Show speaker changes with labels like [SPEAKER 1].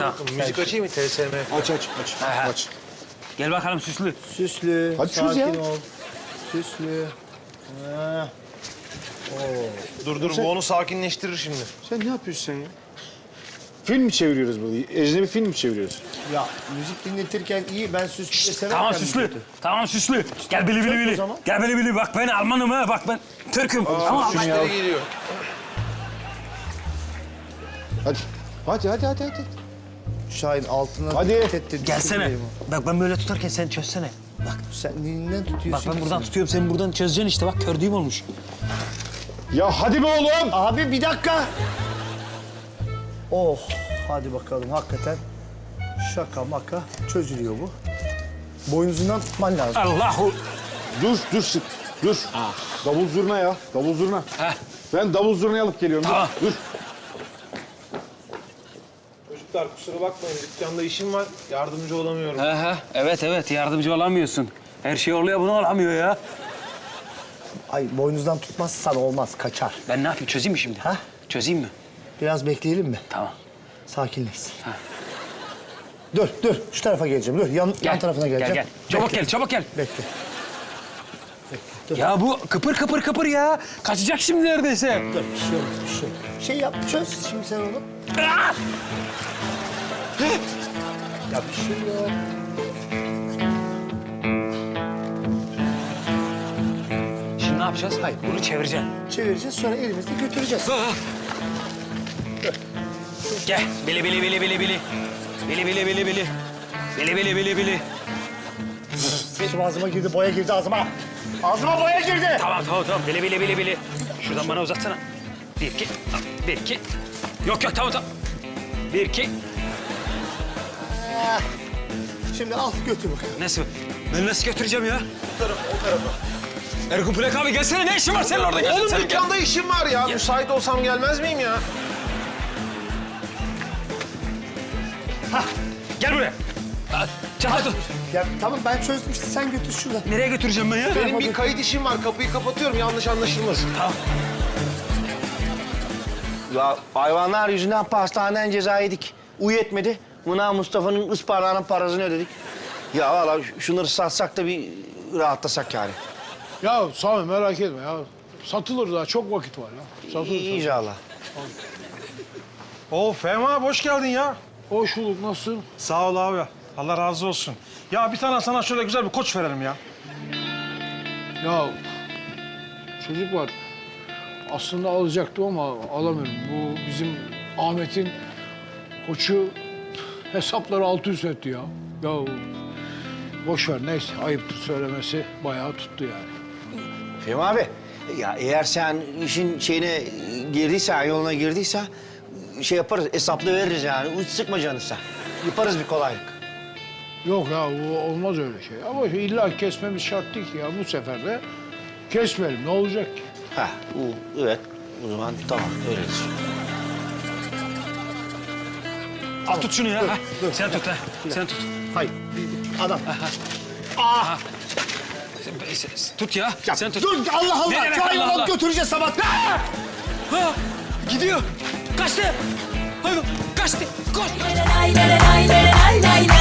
[SPEAKER 1] Müzik açayım mı? TSM.
[SPEAKER 2] Aç.
[SPEAKER 3] Gel bakalım süslü.
[SPEAKER 4] Süslü,
[SPEAKER 2] Hadi çöz ya.
[SPEAKER 4] sakin ol. Süslü. Ha.
[SPEAKER 1] Dur bu onu sakinleştirir şimdi.
[SPEAKER 2] Sen ne yapıyorsun sen ya? Film mi çeviriyoruz burada? Ecnebi film mi çeviriyoruz?
[SPEAKER 4] Ya müzik dinletirken iyi, ben süslü severken...
[SPEAKER 3] Tamam süslü. Tamam süslü. Gel bili bili bili.
[SPEAKER 4] zaman.
[SPEAKER 3] Gel bili bili. Bak ben Almanım ha. Bak ben Türk'üm. Tamam.
[SPEAKER 1] Müşteri geliyor.
[SPEAKER 2] Hadi.
[SPEAKER 4] Şahin altına
[SPEAKER 2] Hadi.
[SPEAKER 4] dikkat et de
[SPEAKER 3] Gelsene.
[SPEAKER 4] düşürmeyeyim o.
[SPEAKER 3] Bak ben böyle tutarken sen çözsene. Bak.
[SPEAKER 4] Sen dilinden tutuyorsun.
[SPEAKER 3] Bak ben
[SPEAKER 4] ki
[SPEAKER 3] buradan
[SPEAKER 4] sen.
[SPEAKER 3] tutuyorum. Sen buradan çözeceksin işte. Bak kördüğüm olmuş.
[SPEAKER 2] Ya hadi be oğlum!
[SPEAKER 4] Abi bir dakika. Oh, hadi bakalım hakikaten. Şaka maka çözülüyor bu. Boynuzundan tutman lazım.
[SPEAKER 3] Allahu.
[SPEAKER 2] Dur sık. Dur. Davul zurna ya. Davul zurna.
[SPEAKER 3] Heh.
[SPEAKER 2] Ben davul zurnayı alıp geliyorum.
[SPEAKER 3] Tamam.
[SPEAKER 2] Dur.
[SPEAKER 1] Çocuklar kusura bakmayın. Dükkanda işim var. Yardımcı olamıyorum.
[SPEAKER 3] Evet yardımcı olamıyorsun. Her şey oluyor bunu olamıyor ya.
[SPEAKER 4] Ay boynuzdan tutmazsan olmaz, kaçar.
[SPEAKER 3] Ben ne yapayım çözeyim mi şimdi?
[SPEAKER 4] Ha?
[SPEAKER 3] Çözeyim mi?
[SPEAKER 4] Biraz bekleyelim mi?
[SPEAKER 3] Tamam.
[SPEAKER 4] Sakinleşsin. Dur, şu tarafa geleceğim. Dur, yan tarafına geleceğim.
[SPEAKER 3] Gel. Çabuk gel.
[SPEAKER 4] Bekle.
[SPEAKER 3] Ya bu kıpır ya. Kaçacak şimdi neredeyse.
[SPEAKER 4] Dur, bir şey olmaz, bir şey olmaz. Şey yap, çöz şimdi sen onu.
[SPEAKER 3] Ah!
[SPEAKER 4] Ya bir şey yok.
[SPEAKER 3] Şimdi ne yapacağız? Hayır, bunu çevireceğim.
[SPEAKER 4] Çevireceğiz, sonra elimizle götüreceğiz.
[SPEAKER 3] Gel. Bili. Bili.
[SPEAKER 4] Saçım ağzıma girdi, boya girdi ağzıma. Ağzıma boya girdi.
[SPEAKER 3] Tamam. Bili. Şuradan bana uzatsana. 1 2. Yok tamam. 1 2.
[SPEAKER 4] Şimdi al götür bakalım.
[SPEAKER 3] Nasıl? Ben nasıl götüreceğim ya? O tarafa. Erkun Plak abi gelsene. Ne işin var senin orada? Gel,
[SPEAKER 1] Oğlum
[SPEAKER 3] sen
[SPEAKER 1] dükkanda işim var ya. Müsait olsam gelmez miyim ya?
[SPEAKER 3] Gel buraya. Çabuk dur.
[SPEAKER 4] Ya tamam ben çözdüm işte, sen götür şuradan.
[SPEAKER 3] Nereye götüreceğim ben ya?
[SPEAKER 1] Benim bir kayıt işim var. Kapıyı kapatıyorum. Yanlış anlaşılmasın.
[SPEAKER 3] Tamam.
[SPEAKER 5] Ya hayvanlar yüzünden pastaneden ceza yedik. Uyu etmedi. Buna Mustafa'nın ısparağının parasını ödedik. Ya vallahi şunları satsak da bir rahatlasak yani.
[SPEAKER 6] Ya Sami merak etme ya. Satılır daha, çok vakit var ya. Satılır.
[SPEAKER 5] İnşallah.
[SPEAKER 7] Oo Fehmi abi hoş geldin ya.
[SPEAKER 6] Hoş bulduk, nasılsın?
[SPEAKER 7] Sağ ol abi. Allah razı olsun. Ya bir tane sana şöyle güzel bir koç verelim ya.
[SPEAKER 6] Ya çocuklar aslında alacaktım ama alamıyorum. Bu bizim Ahmet'in koçu hesapları alt üst etti ya. Ya boş ver, neyse, ayıptır söylemesi, bayağı tuttu yani.
[SPEAKER 5] Fehmi abi, ya eğer sen işin şeyine girdiysen, yoluna girdiysen şey yaparız, hesaplı veririz yani. Hiç sıkma canını sen. Yaparız bir kolaylık.
[SPEAKER 6] Yok ya, bu olmaz öyle şey. Ama illa kesmemiz şart değil ki ya. Bu sefer de kesmeyelim, ne olacak ki?
[SPEAKER 5] Ha, evet. O zaman tamam, öyledir.
[SPEAKER 3] Al tut şunu ya. Ha. Sen tut ha. Sen tut.
[SPEAKER 4] Hayır, adam.
[SPEAKER 3] Tut ya. Sen tut.
[SPEAKER 4] Dur Allah
[SPEAKER 3] Ne
[SPEAKER 4] Allah,
[SPEAKER 3] demek
[SPEAKER 4] şu
[SPEAKER 3] Allah
[SPEAKER 4] hayvanı
[SPEAKER 3] Allah?
[SPEAKER 4] götüreceğiz sabah.
[SPEAKER 3] Ha, gidiyor. Kaçtı. Hayvan kaçtı. Koş.
[SPEAKER 8] Lay lay lay lay lay lay lay.